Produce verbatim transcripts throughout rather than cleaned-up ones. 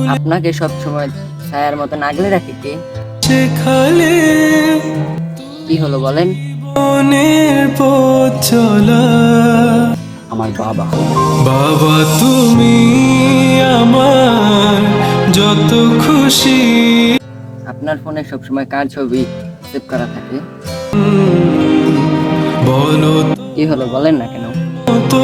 আপনাকে সব সময় ছায়ার মতন আগলে রাখে কে? কি হলো বলেন? আমার বাবা। বাবা তুমি আমার যত খুশি। আপনার ফোনে সবসময় কার ছবি সেভ করা থাকে? বলো কি হলো বলেন না কেন? তো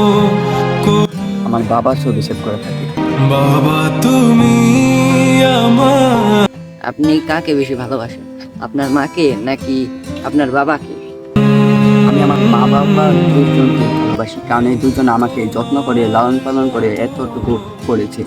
আমার বাবার ছবি সেভ করা থাকে। বাবা তুমি আমার। আপনি কাকে বেশি ভালোবাসেন, আপনার মাকে নাকি আপনার বাবাকে? আমি আমার মা বাবা দুজনকে ভালোবাসি, কারণ এই দুজন আমাকে যত্ন করে লালন পালন করে এতটুকু করেছে।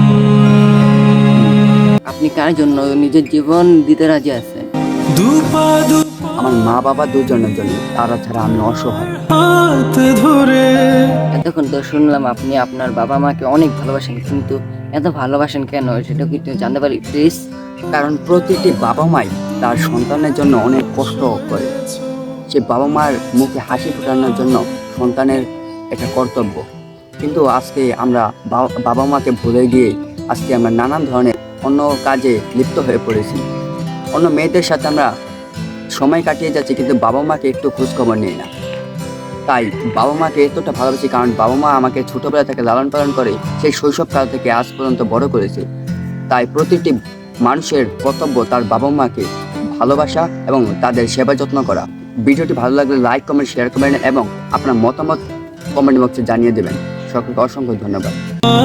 আপনি কার জন্য নিজের জীবন দিতে রাজি আছেন? আমার মা বাবা দুজনের জন্য, তারা ছাড়া আমি অসহায়। হাত ধরে এতক্ষণ তো শুনলাম আপনি আপনার বাবা মাকে অনেক ভালোবাসেন, কিন্তু এত ভালোবাসেন কেন সেটা কি একটু জানতে পারি প্লিজ? কারণ প্রতিটি বাবা মাই তার সন্তানের জন্য অনেক কষ্ট করে। সে বাবা মার মুখে হাসি ফোটানোর জন্য সন্তানের একটা কর্তব্য। কিন্তু আজকে আমরা বা- বাবা মাকে ভুলে গিয়ে আজকে আমরা নানান ধরনের অন্য কাজে লিপ্ত হয়ে পড়েছি। অন্য মেয়েদের সাথে আমরা সময় কাটিয়ে যাচ্ছি, কিন্তু বাবা মাকে একটু খোঁজখবর নিই না। তাই বাবা মাকে এতটা ভালোবাসি, কারণ বাবা মা আমাকে ছোটবেলা থেকে লালন পালন করে সেই শৈশবকাল থেকে আজ পর্যন্ত বড় করেছে। তাই প্রতিটি মানুষের কর্তব্য তার বাবা মাকে ভালোবাসা এবং তাদের সেবা যত্ন করা। ভিডিওটি ভালো লাগলে লাইক কমেন্ট শেয়ার করবেন এবং আপনার মতামত কমেন্ট বক্সে জানিয়ে দেবেন। সকলকে অসংখ্য ধন্যবাদ।